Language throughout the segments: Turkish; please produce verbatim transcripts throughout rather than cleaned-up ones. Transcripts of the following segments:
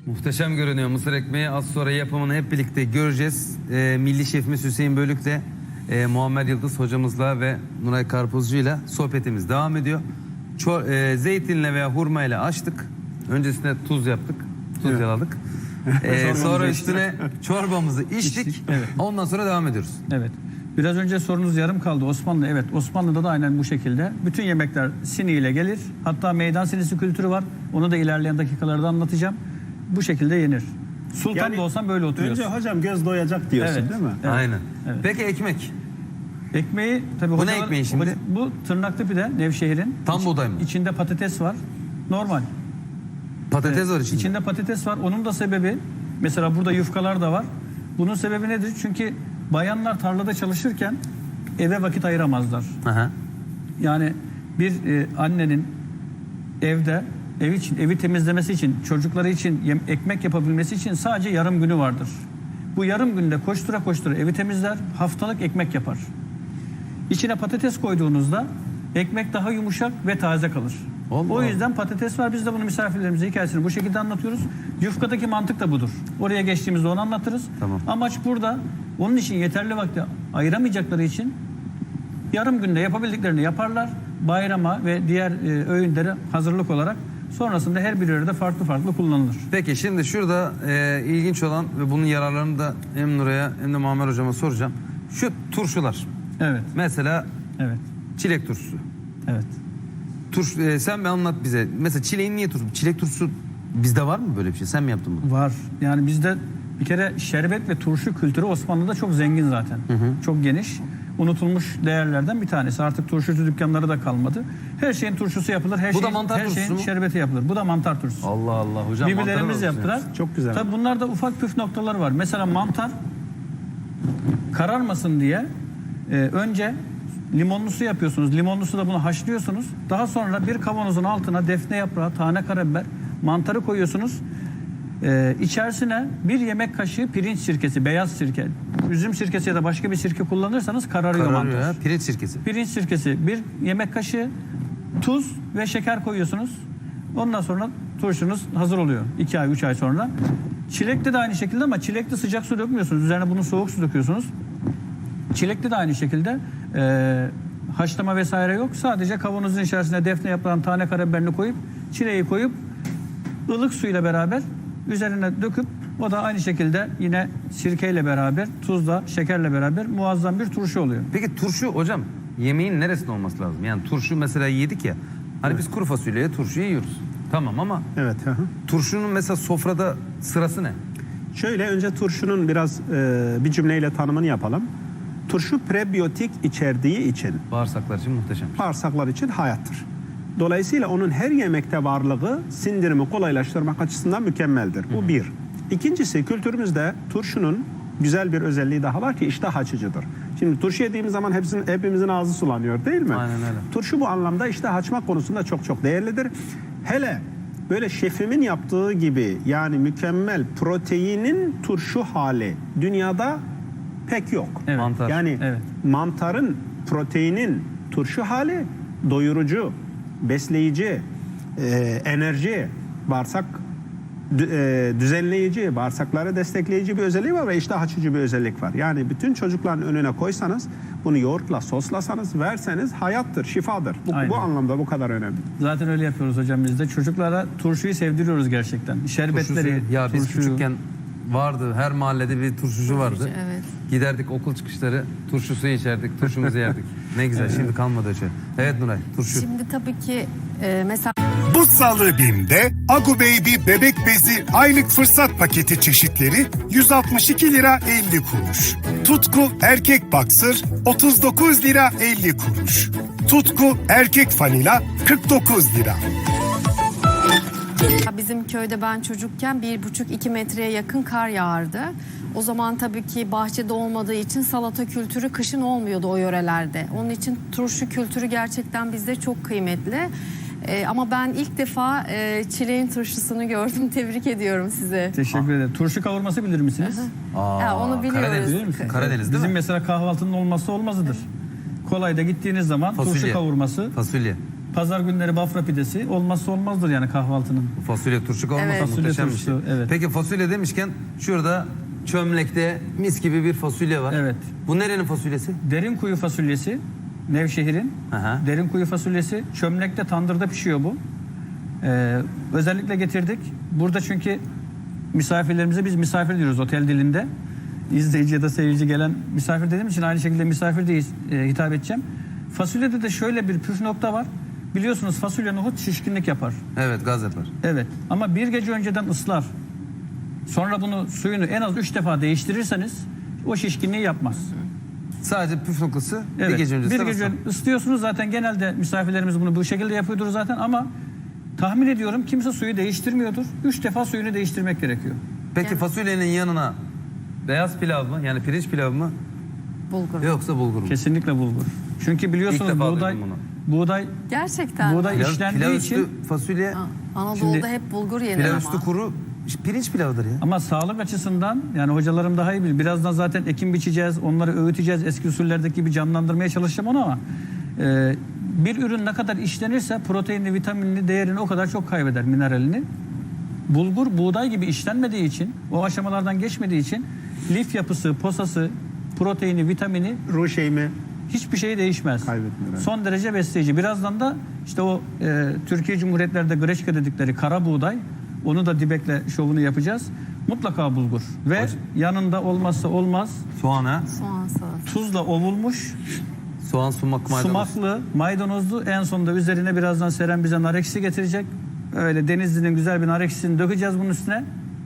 Muhteşem görünüyor mısır ekmeği. Az sonra yapımını hep birlikte göreceğiz. Ee, Milli Şefimiz Hüseyin Bölük'le, e, Muammer Yıldız hocamızla ve Nuray Karpuzcu'yla sohbetimiz devam ediyor. Ço e, zeytinle veya hurmayla açtık. Öncesinde tuz yaptık. Tuz Evet. yaladık. Ee, sonra üstüne çorbamızı içtik. İçtik, evet. Ondan sonra devam ediyoruz. Evet. Biraz önce sorunuz yarım kaldı Osmanlı. Evet, Osmanlı'da da aynen bu şekilde. Bütün yemekler siniyle gelir. Hatta meydan sinisi kültürü var. Onu da ilerleyen dakikalarda anlatacağım. Bu şekilde yenir. Sultan Yani da olsan böyle oturuyorsun. Önce hocam göz doyacak diyorsun Evet. değil mi? Evet. Aynen. Evet. Peki ekmek? Ekmeği tabii Bu ne hocalar- ekmeği şimdi? Bu tırnaklı pide Nevşehir'in. Tam İç- buğday mı? İçinde patates var. Normal. Patates var içinde. İçinde patates var. Onun da sebebi, mesela burada yufkalar da var. Bunun sebebi nedir? Çünkü bayanlar tarlada çalışırken eve vakit ayıramazlar. Aha. Yani bir e, annenin evde ev için, evi temizlemesi için, çocukları için yem, ekmek yapabilmesi için sadece yarım günü vardır. Bu yarım günde koştura koştura evi temizler, haftalık ekmek yapar. İçine patates koyduğunuzda ekmek daha yumuşak ve taze kalır. Allah O yüzden patates var. Biz de bunu misafirlerimize hikayesini bu şekilde anlatıyoruz. Yufkadaki mantık da budur. Oraya geçtiğimizde onu anlatırız. Tamam. Amaç burada onun için yeterli vakti ayıramayacakları için yarım günde yapabildiklerini yaparlar. Bayrama ve diğer e, öğünlere hazırlık olarak sonrasında her bir yerde farklı farklı kullanılır. Peki şimdi şurada e, ilginç olan ve bunun yararlarını da hem Nuray'a hem de Muammer hocama soracağım. Şu turşular. Evet. Mesela Evet. çilek turşusu. Evet. Turş, e, sen bir anlat bize. Mesela çileğin niye turşusu? Çilek turşusu bizde var mı böyle bir şey? Sen mi yaptın bunu? Var. Yani bizde bir kere şerbet ve turşu kültürü Osmanlı'da çok zengin zaten. Çok geniş. Unutulmuş değerlerden bir tanesi. Artık turşucu dükkanları da kalmadı. Her şeyin turşusu yapılır. Her Bu da şeyin, mantar her turşusu şeyin mu? şerbeti yapılır. Bu da mantar turşusu. Allah Allah hocam. Birbirlerimiz mantarı yaptılar. Çok güzel. Tabii bunlarda ufak püf noktaları var. Mesela mantar kararmasın diye e, önce limonlu su yapıyorsunuz. Limonlu suda bunu haşlıyorsunuz. Daha sonra bir kavanozun altına defne yaprağı, tane karabiber, mantarı koyuyorsunuz. Ee, içerisine bir yemek kaşığı pirinç sirkesi, beyaz sirke, üzüm sirkesi ya da başka bir sirke kullanırsanız kararıyor, Kararıyor mantar. ya. Pirinç sirkesi. Pirinç sirkesi, bir yemek kaşığı tuz ve şeker koyuyorsunuz. Ondan sonra turşunuz hazır oluyor. iki ay, üç ay sonra. Çilekte de aynı şekilde ama çilekte sıcak su dökmüyorsunuz. Üzerine bunu soğuk su döküyorsunuz. Çilekte de aynı şekilde e, haşlama vesaire yok. Sadece kavanozun içerisine defne yaprağın tane karabiberini koyup, çileği koyup ılık suyla beraber üzerine döküp o da aynı şekilde yine sirkeyle beraber, tuzla, şekerle beraber muazzam bir turşu oluyor. Peki turşu hocam yemeğin neresinde olması lazım? Yani turşu mesela yedik ya. Hani biz kuru fasulyeye turşu yiyoruz. Tamam ama Evet. hı hı. turşunun mesela sofrada sırası ne? Şöyle önce turşunun biraz e, bir cümleyle tanımını yapalım. Turşu prebiyotik içerdiği için Bağırsaklar için muhteşem. bağırsaklar için hayattır. Dolayısıyla onun her yemekte varlığı sindirimi kolaylaştırmak açısından mükemmeldir. Bu bir. İkincisi kültürümüzde turşunun güzel bir özelliği daha var ki iştah açıcıdır. Şimdi turşu yediğimiz zaman hepsinin, hepimizin ağzı sulanıyor değil mi? Aynen öyle. Turşu bu anlamda iştah açmak konusunda çok çok değerlidir. Hele böyle şefimin yaptığı gibi yani mükemmel proteinin turşu hali dünyada pek yok. Evet. Mantar. Yani Evet. mantarın, proteinin turşu hali doyurucu, besleyici, e, enerji, bağırsak dü- e, düzenleyici, bağırsakları destekleyici bir özelliği var ve iştah açıcı bir özellik var. Yani bütün çocukların önüne koysanız, bunu yoğurtla soslasanız, verseniz hayattır, şifadır. Bu, Aynen. bu anlamda bu kadar önemli. Zaten öyle yapıyoruz hocam biz de. Çocuklara turşuyu sevdiriyoruz gerçekten. Şerbetleri, Turşusu. Ya biz turşuyu. küçükken vardı. Her mahallede bir turşucu vardı. evet. Giderdik okul çıkışları turşusu içerdik, turşumuzu yerdik. Ne güzel. Şimdi kalmadı öyle. Evet Nuray, turşu. Şimdi tabii ki e, mesela Bu salı BİM'de Agu Baby bebek bezi aylık fırsat paketi çeşitleri yüz altmış iki lira elli kuruş. Tutku erkek boxer otuz dokuz lira elli kuruş. Tutku erkek fanila kırk dokuz lira. bizim köyde ben çocukken bir buçuk iki metreye yakın kar yağardı. O zaman tabii ki bahçede olmadığı için salata kültürü kışın olmuyordu o yörelerde. Onun için turşu kültürü gerçekten bizde çok kıymetli. Ee, ama ben ilk defa e, çileğin turşusunu gördüm. Tebrik ediyorum sizi. Teşekkür ederim. Turşu kavurması bilir misiniz? Aa, Ya onu biliyoruz. Karadeniz, Bilir misiniz? Karadeniz değil Bizim mi? mesela kahvaltının olmazsa olmazıdır. Kolayda gittiğiniz zaman Fasulye. turşu kavurması. Fasulye. Pazar günleri Bafra pidesi olmazsa olmazdır yani kahvaltının. Bu fasulye turşu olmasa Evet. Fasulye muhteşem bir şey. turşusu, evet. Peki fasulye demişken şurada çömlekte mis gibi bir fasulye var. Evet. Bu nerenin fasulyesi? Derin kuyu fasulyesi Nevşehir'in. Aha. Derin kuyu fasulyesi çömlekte tandırda pişiyor bu. Ee, özellikle getirdik. Burada çünkü misafirlerimize biz misafir diyoruz otel dilinde. İzleyici ya da seyirci gelen misafir dediğim için aynı şekilde misafir de e, hitap edeceğim. Fasulyede de şöyle bir püf nokta var. Biliyorsunuz fasulye nohut şişkinlik yapar. Evet, gaz yapar. Evet ama bir gece önceden ıslar. Sonra bunu suyunu en az üç defa değiştirirseniz o şişkinliği yapmaz. Sadece püf noktası Evet. bir gece öncesi. bir gece ıslıyorsunuz zaten genelde misafirlerimiz bunu bu şekilde yapıyordur zaten ama tahmin ediyorum kimse suyu değiştirmiyordur. Üç defa suyunu değiştirmek gerekiyor. Peki fasulyenin yanına beyaz pilav mı? Yani pirinç pilav mı? Bulgur. Yoksa bulgur mu? Kesinlikle bulgur. Çünkü biliyorsunuz İlk defa buğday duydum bunu. buğday Gerçekten. buğday Pilav, işlendiği pilav için üstü fasulye, Ha, Anadolu'da Şimdi- hep bulgur yenir pilav ama. üstü kuru pirinç pilavıdır ya. ama sağlık açısından yani hocalarım daha iyi bilir. Birazdan zaten ekim biçeceğiz, onları öğüteceğiz. Eski usullerdeki gibi canlandırmaya çalışacağım onu ama e, bir ürün ne kadar işlenirse proteinli, vitaminli değerini o kadar çok kaybeder, mineralini. Bulgur buğday gibi işlenmediği için, o aşamalardan geçmediği için lif yapısı, posası, proteini, vitamini Ruh şeyimi hiçbir şey değişmez. Kaybetmiyor, evet. Son derece besleyici. Birazdan da işte o e, Türkiye Cumhuriyetlerde greçka dedikleri kara buğday, onu da dibekle şovunu yapacağız. Mutlaka bulgur. Ve Hocam- yanında olmazsa olmaz Soğan ha? Soğan salatası. tuzla ovulmuş, Soğan, sumak, maydanoz. sumaklı, maydanozlu, en sonunda üzerine birazdan Seren bize nar ekşisi getirecek. Öyle Denizli'nin güzel bir nar ekşisini dökeceğiz bunun üstüne.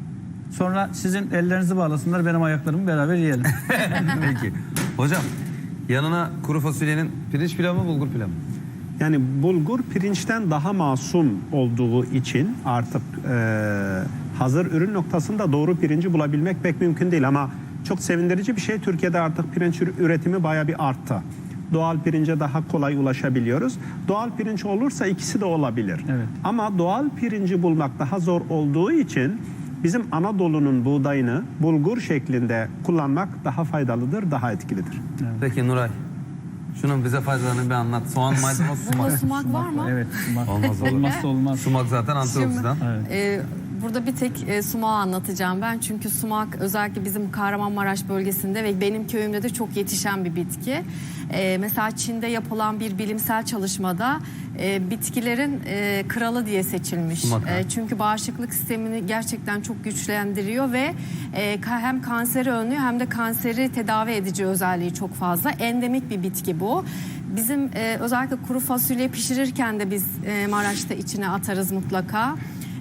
Sonra sizin ellerinizi bağlasınlar, benim ayaklarımı beraber yiyelim. Peki. Hocam yanına kuru fasulyenin pirinç pilavı mı bulgur pilavı mı? Yani bulgur pirinçten daha masum olduğu için artık e, hazır ürün noktasında doğru pirinci bulabilmek pek mümkün değil ama çok sevindirici bir şey, Türkiye'de artık pirinç üretimi bayağı bir arttı. Doğal pirince daha kolay ulaşabiliyoruz. Doğal pirinç olursa ikisi de olabilir. Evet. Ama doğal pirinci bulmak daha zor olduğu için bizim Anadolu'nun buğdayını bulgur şeklinde kullanmak daha faydalıdır, daha etkilidir. Peki Nuray. Şunun bize faydalarını bir anlat. Soğan, maydanoz, Bunda sumak. sumak var mı? Evet, sumak. Olmaz olur. Olmazsa olmaz. Sumak zaten antioksidan. Evet. Ee, burada bir tek e, sumağı anlatacağım ben. Çünkü sumak özellikle bizim Kahramanmaraş bölgesinde ve benim köyümde de çok yetişen bir bitki. Ee, mesela Çin'de yapılan bir bilimsel çalışmada e, bitkilerin e, kralı diye seçilmiş. Sumak, ha. E, çünkü bağışıklık sistemini gerçekten çok güçlendiriyor ve e, ka- hem kanseri önlüyor hem de kanseri tedavi edici özelliği çok fazla. Endemik bir bitki bu. Bizim e, özellikle kuru fasulye pişirirken de biz e, Maraş'ta içine atarız mutlaka.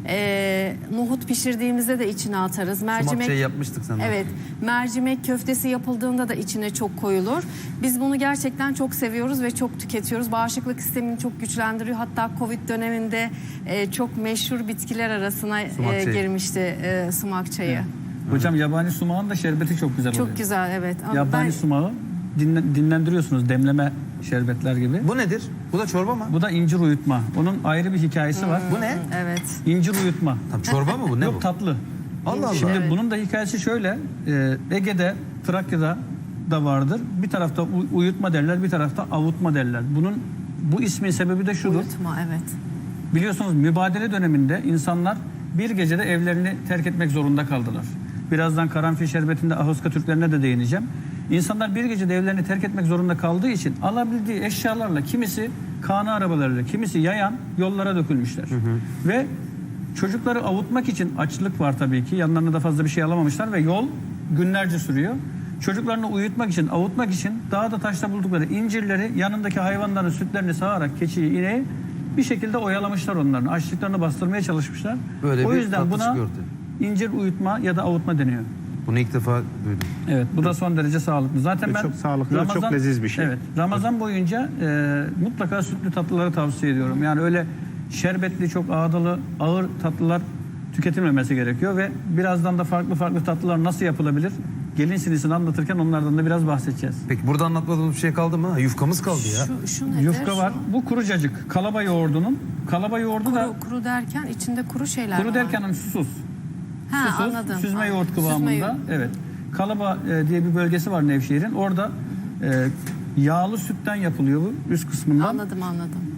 E, nohut pişirdiğimizde de içine atarız. Sumak Mercimek şey yapmıştık senden. Evet, mercimek köftesi yapıldığında da içine çok koyulur. Biz bunu gerçekten çok seviyoruz ve çok tüketiyoruz. Bağışıklık sistemini çok güçlendiriyor. Hatta Covid döneminde e, çok meşhur bitkiler arasına Sumak e, çayı. girmişti e, sumak çayı. Hocam yabani sumağın da şerbeti çok güzel oluyor. Çok güzel, evet. Ama Yabani ben- sumağı dinlen- dinlendiriyorsunuz demleme şerbetler gibi. Bu nedir? Bu da çorba mı? Bu da incir uyutma. Onun ayrı bir hikayesi var. Bu ne? Evet. İncir uyutma. Tam çorba mı bu? Ne Yok bu? tatlı. Allah Allah. Şimdi Evet. bunun da hikayesi şöyle. e, Ege'de, Trakya'da da vardır. Bir tarafta u- uyutma derler, bir tarafta avutma derler. Bunun bu ismin sebebi de şudur. Uyutma, evet. Biliyorsunuz mübadele döneminde insanlar bir gecede evlerini terk etmek zorunda kaldılar. Birazdan karanfil şerbetinde Ahoska Türklerine de değineceğim. İnsanlar bir gecede evlerini terk etmek zorunda kaldığı için alabildiği eşyalarla kimisi kana arabalarıyla, kimisi yayan yollara dökülmüşler. Ve çocukları avutmak için açlık var tabii ki. Yanlarına da fazla bir şey alamamışlar ve yol günlerce sürüyor. Çocuklarını uyutmak için, avutmak için dağda taşta buldukları incirleri yanındaki hayvanların sütlerini sağarak keçiyi, ineği bir şekilde oyalamışlar onların. Açlıklarını bastırmaya çalışmışlar. Böyle o bir yüzden tatlı buna çıkıyor ortaya. incir uyutma ya da avutma deniyor. Bunu ilk defa duydum. Evet, bu da son derece sağlıklı. Zaten Ve ben çok sağlıklı ve çok leziz bir şey. Evet, Ramazan boyunca e, mutlaka sütlü tatlıları tavsiye ediyorum. Yani öyle şerbetli, çok ağdalı, ağır tatlılar tüketilmemesi gerekiyor ve birazdan da farklı farklı tatlılar nasıl yapılabilir? Gelin sinisini anlatırken onlardan da biraz bahsedeceğiz. Peki burada anlatmadığımız bir şey kaldı mı? Ha, yufkamız kaldı ya. Şu, şu nedir? Yufka var. Şu- Bu kuru cacık. Kalaba yoğurdunun. Kalaba yoğurdu da Kuru, kuru derken içinde kuru şeyler kuru var. derken hani susuz. Ha, Susuz, anladım. süzme Anladım. yoğurt Süzme kıvamında. yoğurt. Evet. Kalaba e, diye bir bölgesi var Nevşehir'in. Orada e, yağlı sütten yapılıyor bu üst kısmından. Anladım, anladım.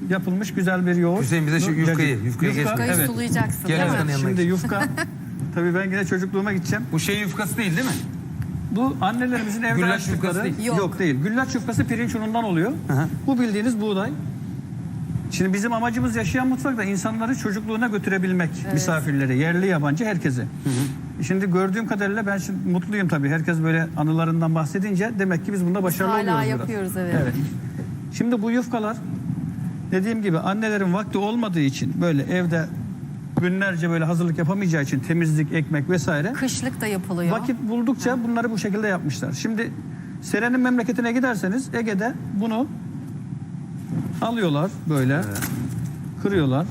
yapılmış güzel bir yoğurt. Hüseyin bize şu Bu yufkayı, cacık. yufkayı Yufka, geçme. Yufkayı evet. sulayacaksın Gel değil Özkan'ın mi? yanına. Şimdi yufka, tabii ben yine çocukluğuma gideceğim. Bu şey yufkası değil değil mi? Bu annelerimizin evde Güllaç yufkası açtıkları. değil. Yok. Yok değil. Güllaç yufkası pirinç unundan oluyor. hı. Bu bildiğiniz buğday. Şimdi bizim amacımız yaşayan mutfakta insanları çocukluğuna götürebilmek. Misafirleri, yerli yabancı herkese. Şimdi gördüğüm kadarıyla ben şimdi mutluyum tabii. Herkes böyle anılarından bahsedince demek ki biz bunda başarılı Hala oluyoruz biraz. yapıyoruz evet. Evet. Şimdi bu yufkalar dediğim gibi annelerin vakti olmadığı için böyle evde günlerce böyle hazırlık yapamayacağı için temizlik, ekmek vesaire Kışlık da yapılıyor. vakit buldukça bunları bu şekilde yapmışlar. Şimdi Seren'in memleketine giderseniz Ege'de bunu alıyorlar böyle kırıyorlar.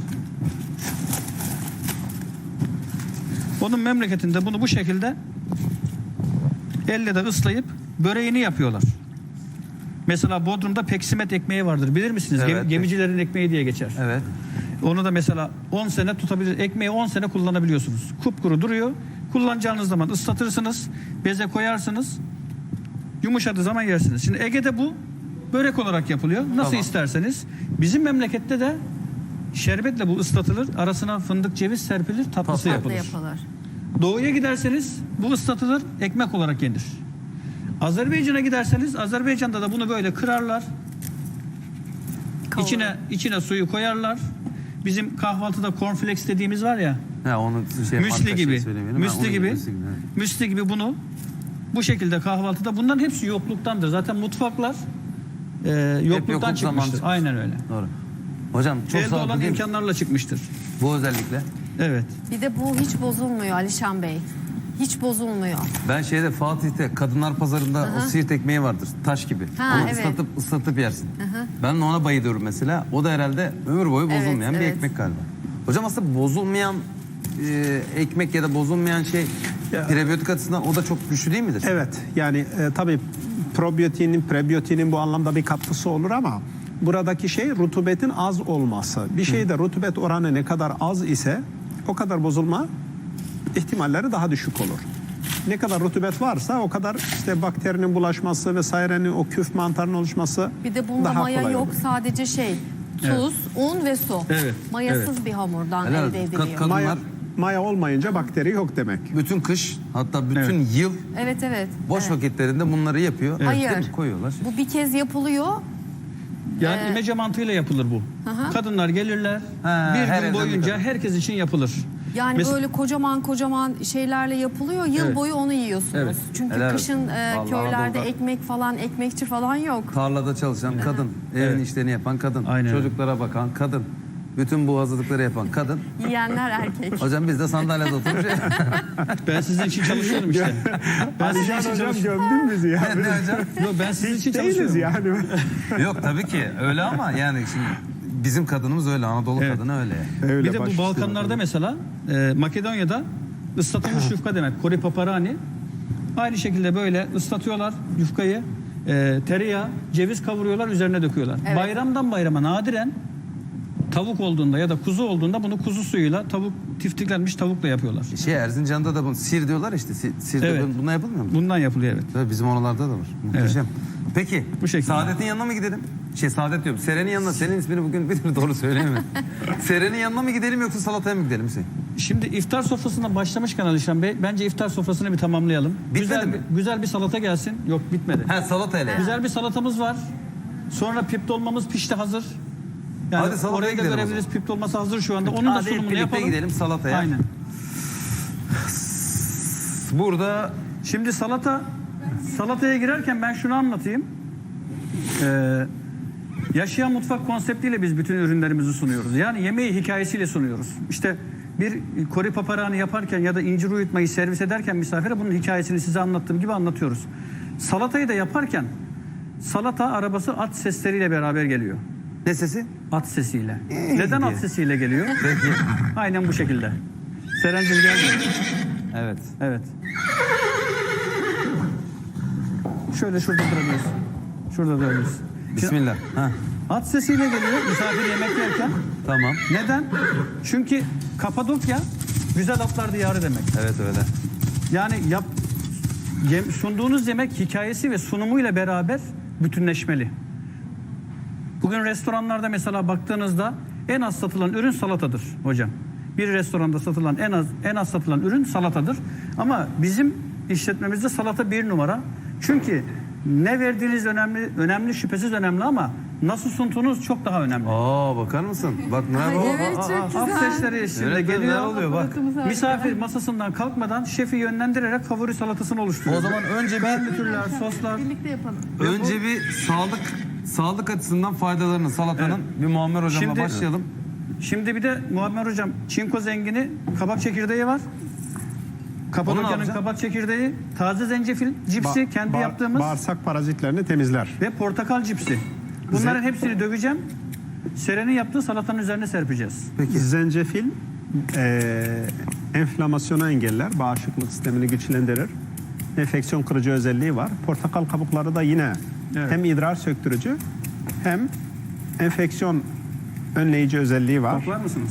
Onun memleketinde bunu bu şekilde elle de ıslayıp böreğini yapıyorlar. Mesela Bodrum'da peksimet ekmeği vardır. Bilir misiniz? Evet. Gem- gemicilerin ekmeği diye geçer. Evet. Onu da mesela on sene tutabilir. Ekmeği on sene kullanabiliyorsunuz. Kupkuru duruyor. Kullanacağınız zaman ıslatırsınız. Beze koyarsınız. Yumuşadığı zaman yersiniz. Şimdi Ege'de bu börek olarak yapılıyor. Nasıl Tamam. isterseniz. Bizim memlekette de şerbetle bu ıslatılır. Arasına fındık, ceviz serpilir. Tatlısı Tatlı yapılır. yapılır. Doğuya giderseniz bu ıslatılır. Ekmek olarak yenir. Azerbaycan'a giderseniz Azerbaycan'da da bunu böyle kırarlar. Kavurur. İçine içine suyu koyarlar. Bizim kahvaltıda cornflakes dediğimiz var ya. Ha onu şey marka Müsli şey gibi. söylemeyelim. Ha, Müsli onun gibi. müsli gibi, evet. Müsli gibi bunu bu şekilde kahvaltıda bunların hepsi yokluktandır. Zaten mutfaklar e, yokluktan yokluk zamanı çıkmıştır. çıkmış. Aynen öyle. Doğru. Hocam çok Elde sağlıklı olan değil mi? imkanlarla çıkmıştır. Bu özellikle. Evet. Bir de bu hiç bozulmuyor Alişan Bey. Hiç bozulmuyor. Ben şeyde Fatih'te Kadınlar Pazarı'nda o siirt ekmeği vardır. Taş gibi. Ha, onu evet. ıslatıp ıslatıp yersin. Ben de ona bayılıyorum mesela. O da herhalde ömür boyu Evet, bozulmayan bir evet. ekmek galiba. Hocam aslında bozulmayan e, ekmek ya da bozulmayan şey prebiyotik açısından o da çok güçlü değil midir? Evet, yani e, tabii probiyotiğinin, prebiyotiğinin bu anlamda bir katkısı olur ama buradaki şey rutubetin az olması. Bir şeyde rutubet oranı ne kadar az ise o kadar bozulma ihtimalleri daha düşük olur. Ne kadar rutubet varsa o kadar işte bakterinin bulaşması vesairenin o küf mantarının oluşması Bir de bunda daha maya kolay yok. olur. Sadece şey tuz, un ve su. Evet, Mayasız bir hamurdan Helal. elde ediliyor. Kat- kat- Maya, Bunlar- maya olmayınca bakteri yok demek. Bütün kış hatta bütün Evet. yıl Evet evet. boş evet. vakitlerinde bunları yapıyor. Hayır. Değil mi? Koyuyorlar. Bu bir kez yapılıyor. Yani Ee, imece mantığıyla yapılır bu. hı. Kadınlar gelirler. Ha, bir her gün evden bir boyunca kadın. herkes için yapılır. Yani Mes- böyle kocaman kocaman şeylerle yapılıyor. Yıl Evet. boyu onu yiyorsunuz. Evet. Çünkü Helal kışın e, Vallahi köylerde Anadolu'da- ekmek falan, ekmekçi falan yok. Tarlada çalışan kadın, evin Evet. işlerini yapan kadın, Aynen öyle. çocuklara bakan kadın, bütün bu hazırlıkları yapan kadın. Yiyenler erkek. Hocam biz de sandalyede oturmuş. Ben sizin için çalışıyorum işte. Ben sizin Alişan için hocam çalışıyorum. gömdün bizi ya. Ne hocam? Yok, ben sizin için Değiliz çalışıyorum. yani. Yok tabii ki öyle ama yani şimdi bizim kadınımız öyle, Anadolu Evet. kadını öyle. Öyle Bir de baş bu üstüne Balkanlarda tabii. mesela e, Makedonya'da ıslatılmış yufka demek. Kori paparani. Aynı şekilde böyle ıslatıyorlar yufkayı. E, tereyağı, ceviz kavuruyorlar, üzerine döküyorlar. Evet. Bayramdan bayrama nadiren tavuk olduğunda ya da kuzu olduğunda bunu kuzu suyuyla tavuk tiftiklenmiş tavukla yapıyorlar. Şey Erzincan'da da bunu sir diyorlar işte. Sir, sirde Evet. bun- bunlar yapılmıyor mu? Bundan yapılıyor evet. Tabii bizim oralarda da var. Muhteşem. Peki Bu şekilde. Saadet'in yanına mı gidelim? Şey Saadet diyorum. Seren'in yanına. Senin ismini bugün bir türlü doğru söyleyemedim. Seren'in yanına mı gidelim yoksa salataya mı gidelim Hüseyin? Şimdi iftar sofrasından başlamışken Alişan Bey bence iftar sofrasını bir tamamlayalım. Bitmedi güzel, mi? bir- güzel bir salata gelsin. Yok bitmedi. Ha salatayla. Güzel bir salatamız var. Sonra pip dolmamız pişti hazır. Yani Hadi salataya orayı da gidelim o görebiliriz. Pip dolması hazır şu anda. Onun da Hadi hep sunumunu birlikte yapalım. gidelim salataya. Aynen. Burada Şimdi salata salataya girerken ben şunu anlatayım. Ee, yaşayan mutfak konseptiyle biz bütün ürünlerimizi sunuyoruz. Yani yemeği hikayesiyle sunuyoruz. İşte bir kori paparağını yaparken ya da incir uyutmayı servis ederken misafire bunun hikayesini size anlattığım gibi anlatıyoruz. Salatayı da yaparken salata arabası at sesleriyle beraber geliyor. ne sesi? At sesiyle. Ee, Neden diye. at sesiyle geliyor? Peki. Aynen bu şekilde. Serencim geldi. Evet. Evet. Şöyle şurada durabiliriz. Şurada durabiliriz. Şimdi Bismillah. Ha, at sesiyle geliyor misafir yemek yerken. tamam. Neden? Çünkü Kapadokya güzel atlar diyarı demek. Evet öyle. Yani yap, yem- sunduğunuz yemek hikayesi ve sunumuyla beraber bütünleşmeli. Bugün restoranlarda mesela baktığınızda en az satılan ürün salatadır hocam. Bir restoranda satılan en az en az satılan ürün salatadır. Ama bizim işletmemizde salata bir numara. Çünkü ne verdiğiniz önemli, önemli şüphesiz önemli ama nasıl sunduğunuz çok daha önemli. Aa bakar mısın? Bak ne Ay, bu? evet, Aa, çok aa, güzel. Af sesleri eşliğinde Evet, neler geliyor. oluyor bak. Misafir masasından kalkmadan şefi yönlendirerek favori salatasını oluşturuyor. O zaman önce bir Belli türler, soslar. Birlikte yapalım. önce bir sağlık sağlık açısından faydalarını salatanın bir Muammer hocamla Şimdi- başlayalım. Şimdi bir de Muammer hocam çinko zengini kabak çekirdeği var. Kapadokya'nın yapacaksın? kabak çekirdeği, taze zencefil cipsi Ba- kendi ba- yaptığımız Bağırsak parazitlerini temizler. ve portakal cipsi. Bunların hepsini döveceğim. Seren'in yaptığı salatanın üzerine serpeceğiz. Peki. Zencefil e, enflamasyonu engeller, bağışıklık sistemini güçlendirir. Enfeksiyon kırıcı özelliği var. Portakal kabukları da yine Evet. hem idrar söktürücü hem enfeksiyon önleyici özelliği var. Koklar mısınız?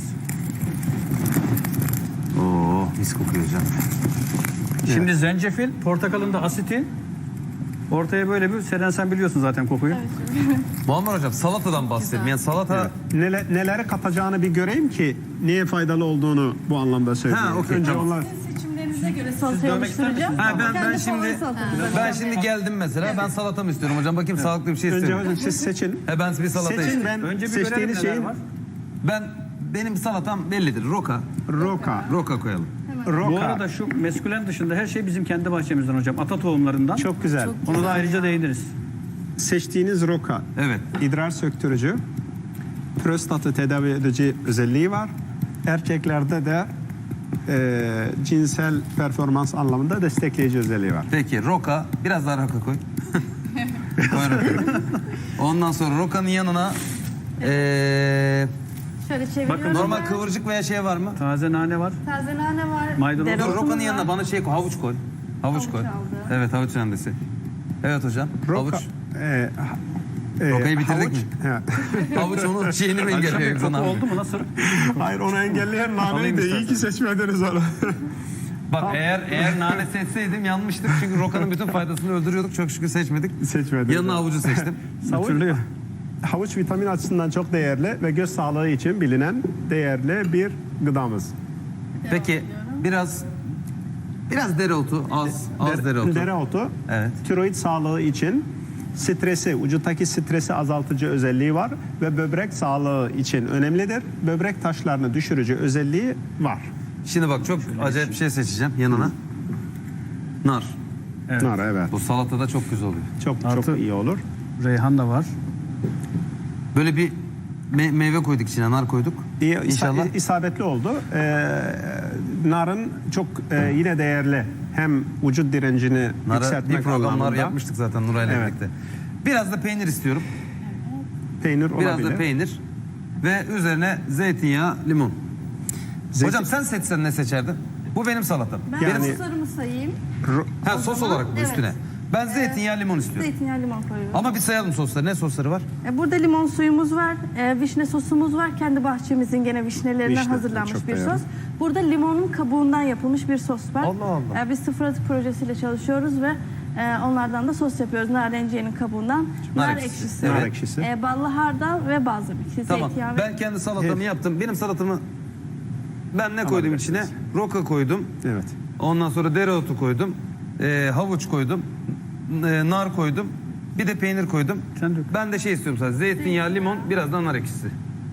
Oo mis kokuyor hocam. Şimdi zencefil, portakalın da asiti. Ortaya böyle bir, Seren sen biliyorsun zaten kokuyu. Muammer hocam salatadan bahsedelim. Yani salata Neler, neleri katacağını bir göreyim ki niye faydalı olduğunu bu anlamda söyleyeyim. Ha, okey, Önce tamam. onlar Seçimlerinize göre Siz salatayı dövmek ister oluşturacağım. misiniz? Ha, ben ben Kendi şimdi favori salatamızı ben yapacağım. şimdi geldim mesela. Ben salata mı istiyorum hocam? Bakayım sağlıklı bir şey önce istiyorum. hocam siz seçin. He ben bir salata Seçin, istiyorum. ben Önce bir görelim seçtiğiniz neler şeyin var. Ben benim salatam bellidir. Roka. roka. Roka koyalım. Roka. Bu arada şu meskülen dışında her şey bizim kendi bahçemizden hocam. Ata tohumlarından. Çok güzel. Onu da ayrıca değiniriz. Seçtiğiniz roka Evet. idrar söktürücü, prostatı tedavi edici özelliği var. Erkeklerde de e, cinsel performans anlamında destekleyici özelliği var. Peki roka biraz daha roka koy. Koy roka. Ondan sonra rokanın yanına eee Şöyle çeviriyorum. Bakın, normal ben. kıvırcık veya şey var mı? Taze nane var. Taze nane var. Maydanoz. Dur dereotumuz rokanın var. yanına bana şey koy. Havuç koy. Havuç, Havuç koy. aldı. Evet havuç rendesi. Evet hocam. Roka, Havuç. e, ha- e, Rokayı bitirdik havuç- mi? He. Havuç onun şeyini mi Akşam bir engelliyor? koku oldu mu nasıl? Hayır, onu engelleyen Alayım naneydi. İyi istersen. ki seçmediniz onu. Bak eğer eğer nane seçseydim yanmıştık. Çünkü rokanın bütün faydasını öldürüyorduk. Çok şükür seçmedik. Seçmediniz. Yanına havucu seçtim. Hatırlıyor. Havuç vitamin açısından çok değerli ve göz sağlığı için bilinen değerli bir gıdamız. Peki biraz biraz dereotu az az Dere- dereotu. Dereotu, Evet. tiroid sağlığı için stresi, vücuttaki stresi azaltıcı özelliği var ve böbrek sağlığı için önemlidir. Böbrek taşlarını düşürücü özelliği var. Şimdi bak çok acayip bir şey seçeceğim yanına. Nar. Evet. Nar, evet. Bu salatada çok güzel oluyor. Çok Artı- çok iyi olur. Reyhan da var. Böyle bir me- meyve koyduk içine, nar koyduk. İyi, isa- İnşallah. isabetli oldu. Ee, narın çok e, yine değerli. Hem vücut direncini Nara yükseltmek bir programlar anlamında. yapmıştık zaten Nuray'la Evet. birlikte. Biraz da peynir istiyorum. Peynir Biraz olabilir. da peynir. Ve üzerine zeytinyağı, limon. Zeytin- Hocam sen seçsen ne seçerdin? Bu benim salatam. Ben Yani- soslarımı sayayım. Ro- Ha sos zaman- olarak mı evet. üstüne? Ben zeytinyağı, limon istiyorum. Zeytinyağı limon koyuyoruz. Ama bir sayalım sosları. Ne sosları var? E, Burada limon suyumuz var, e, vişne sosumuz var. Kendi bahçemizin gene vişnelerinden Vişne, hazırlanmış çok bir değerli. sos. Burada limonun kabuğundan yapılmış bir sos var. Allah Allah. E, biz sıfır atık projesiyle çalışıyoruz ve e, onlardan da sos yapıyoruz. Narenciyenin kabuğundan. Nar Nar, ekşisi. ekşisi. Nar Evet. ekşisi. E, ballı hardal ve balzamik. Tamam. Zeytinyağı ve... Ben kendi salatamı yaptım. Benim salatamı ben ne koydum içine? Alabilirsiniz. Roka koydum. Evet. Ondan sonra dereotu koydum. Ee, havuç koydum. e, nar koydum. Bir de peynir koydum. Sen dök. Ben de şey istiyorum sadece. Zeytinyağı, limon, biraz da nar ekşisi.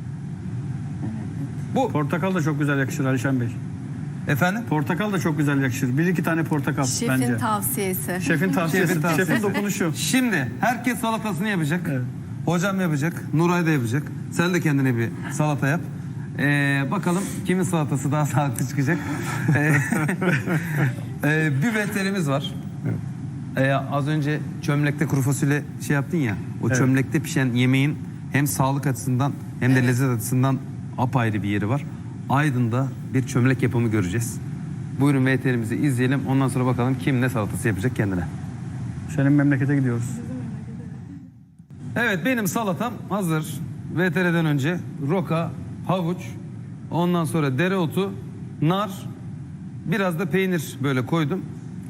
Bu Portakal da çok güzel yakışır Alişan Bey. efendim? Portakal da çok güzel yakışır. Bir iki tane portakal Şefin bence. tavsiyesi. Şefin tavsiyesi. Şefin tavsiyesi. Şefin dokunuşu. Şimdi herkes salatasını yapacak. Evet. Hocam yapacak. Nuray da yapacak. Sen de kendine bir salata yap. Ee, bakalım kimin salatası daha sağlıklı çıkacak. Ee, ee, bir veterimiz var. Ee, az önce çömlekte kuru fasulye şey yaptın ya. O Evet. çömlekte pişen yemeğin hem sağlık açısından hem de lezzet açısından apayrı bir yeri var. Aydın'da bir çömlek yapımı göreceğiz. Buyurun V T R'imizi izleyelim. Ondan sonra bakalım kim ne salatası yapacak kendine. Senin memlekete gidiyoruz. Evet benim salatam hazır. V T R'den önce roka, havuç, ondan sonra dereotu, nar, biraz da peynir böyle koydum. Evet.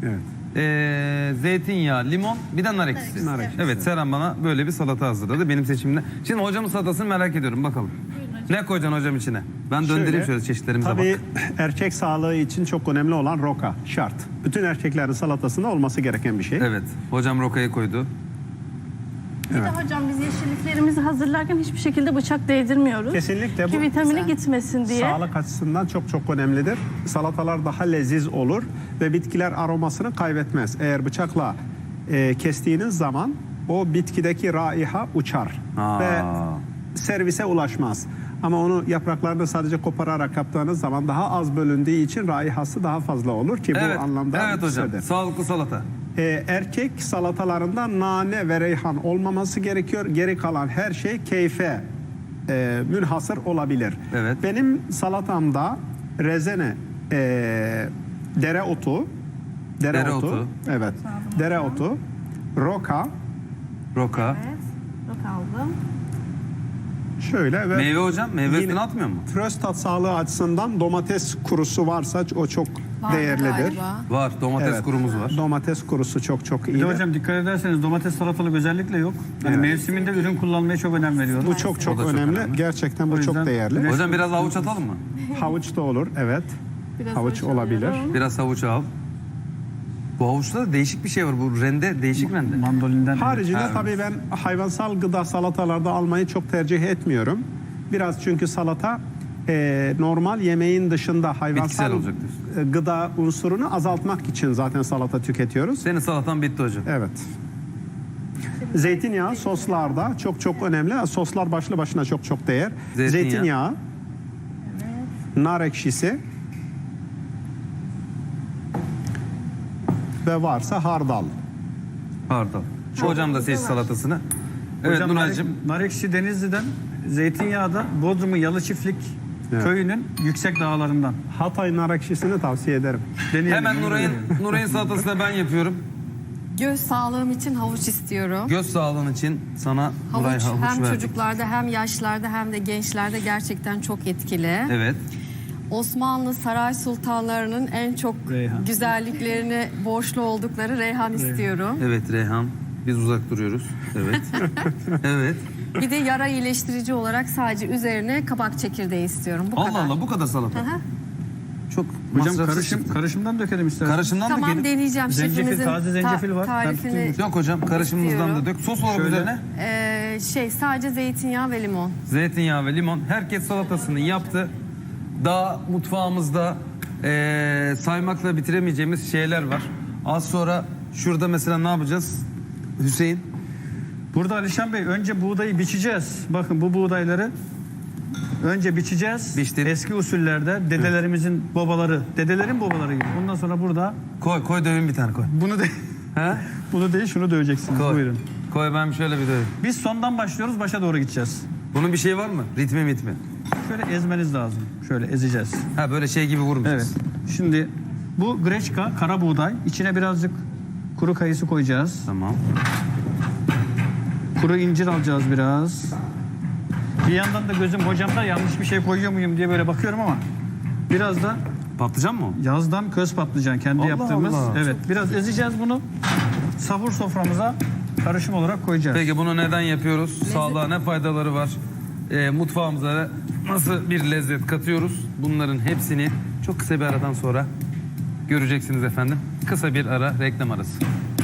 e, zeytinyağı, limon, bir de nar ekşisi. Nar ekşisi. Evet, Seren bana böyle bir salata hazırladı benim seçimimde. Şimdi hocamın salatasını merak ediyorum bakalım. Ne koyacaksın hocam içine? Ben döndüreyim şöyle çeşitlerimize Tabii bak. erkek sağlığı için çok önemli olan roka şart. Bütün erkeklerin salatasında olması gereken bir şey. Evet, hocam rokayı koydu. Bir de hocam biz yeşilliklerimizi hazırlarken hiçbir şekilde bıçak değdirmiyoruz. Kesinlikle bu Ki vitamini gitmesin diye. sağlık açısından çok çok önemlidir. Salatalar daha leziz olur ve bitkiler aromasını kaybetmez. Eğer bıçakla e, kestiğiniz zaman o bitkideki raiha uçar Aa. ve servise ulaşmaz. Ama onu yapraklarını sadece kopararak yaptığınız zaman daha az bölündüğü için raihası daha fazla olur ki Evet, bu anlamda evet hocam. güzeldir. Sağlıklı salata. Ee, erkek salatalarında nane ve reyhan olmaması gerekiyor. Geri kalan her şey keyfe e, münhasır olabilir. Evet. Benim salatamda rezene, e, dereotu, dereotu, Dereotu. evet, dereotu, roka, Roka. Evet. Yok aldım. şöyle ve Meyve hocam, meyve Yine- üstüne atmıyor mu? prostat sağlığı açısından domates kurusu varsa o çok Var değerlidir. galiba. Var, domates Evet. kurumuz var. Domates kurusu çok çok Bir iyi. de hocam dikkat ederseniz domates salatalık özellikle yok. Yani Evet. mevsiminde ürün kullanmaya çok önem veriyoruz. Bu çok çok O da çok önemli. önemli. Gerçekten O bu yüzden- çok değerli. Evet. Hocam biraz havuç atalım mı? Havuç da olur, evet. Biraz Havuç havuç olabilir. alıyorum. Biraz havuç al. Bu havuçta da değişik bir şey var. Bu rende, değişik rende. Mandolinden. Haricinde Ha, tabii ben hayvansal gıda salatalarda almayı çok tercih etmiyorum. Biraz çünkü salata e, normal yemeğin dışında Bitkisel hayvansal olacak diyorsun. e, gıda unsurunu azaltmak için zaten salata tüketiyoruz. Senin salatan bitti hocam. Evet. Zeytinyağı soslarda çok çok önemli. Soslar başlı başına çok çok değer. Zeytinyağı. Zeytinyağı, nar ekşisi ve varsa hardal. Pardon. Hocam da seç salatasını. Evet Hocam Nuray'cığım. nar, nar ekşi Denizli'den, zeytinyağı da Bodrum'un Yalı Çiftlik Evet. köyünün yüksek dağlarından. Hatay nar ekşisini tavsiye ederim. Deneyelim. Hemen Nuray'ın Nuray'ın salatasını ben yapıyorum. Göz sağlığım için havuç istiyorum. Göz sağlığın için sana Nuray Havuç havuç hem verdik. çocuklarda hem yaşlarda hem de gençlerde gerçekten çok etkili. Evet. Osmanlı saray sultanlarının en çok Reyhan. güzelliklerini borçlu oldukları reyhan istiyorum. Evet Reyhan. Biz uzak duruyoruz. Evet. evet. Bir de yara iyileştirici olarak sadece üzerine kabak çekirdeği istiyorum. Bu Allah kadar. Allah bu kadar salata. Hı hı. Çok Hocam masrafsız karışım, çıktı. karışımdan dökelim isterseniz. Karışımdan Tamam da gelin. deneyeceğim. Zencefil, Şefimizin taze zencefil var. Ben tarifini. tutayım. Yok hocam karışımımızdan da İstiyorum. dök. Sos olarak Şöyle. üzerine Ee, şey sadece zeytinyağı ve limon. zeytinyağı ve limon. Herkes salatasını yaptı. Daha mutfağımızda eee, saymakla bitiremeyeceğimiz şeyler var. Az sonra şurada mesela ne yapacağız? Hüseyin. Burada Alişan Bey önce buğdayı biçeceğiz. Bakın bu buğdayları önce biçeceğiz. Biçtin. Eski usullerde dedelerimizin babaları, dedelerin babaları gibi. Ondan sonra burada Koy koy dövün bir tane koy. bunu de He? bunu değil şunu döveceksiniz. Koy. Buyurun. Koy ben şöyle bir döveyim. Biz sondan başlıyoruz, başa doğru gideceğiz. Bunun bir şey var mı? Ritmi mitmi. Şöyle ezmeniz lazım. Şöyle ezeceğiz. Ha böyle şey gibi Evet. vurmayacağız. Şimdi bu greçka, kara buğday. İçine birazcık kuru kayısı koyacağız. Tamam. Kuru incir alacağız biraz. Bir yandan da gözüm hocamda yanlış bir şey koyuyor muyum diye böyle bakıyorum ama biraz da Patlıcan mı o? yazdan köz patlıcan kendi Allah yaptığımız. Allah. Evet, biraz ezeceğiz bunu. Sahur soframıza karışım olarak koyacağız. Peki bunu neden yapıyoruz? Sağlığa ne faydaları var? Ee, mutfağımıza nasıl bir lezzet katıyoruz? Bunların hepsini çok kısa bir aradan sonra göreceksiniz efendim. Kısa bir ara, reklam arası.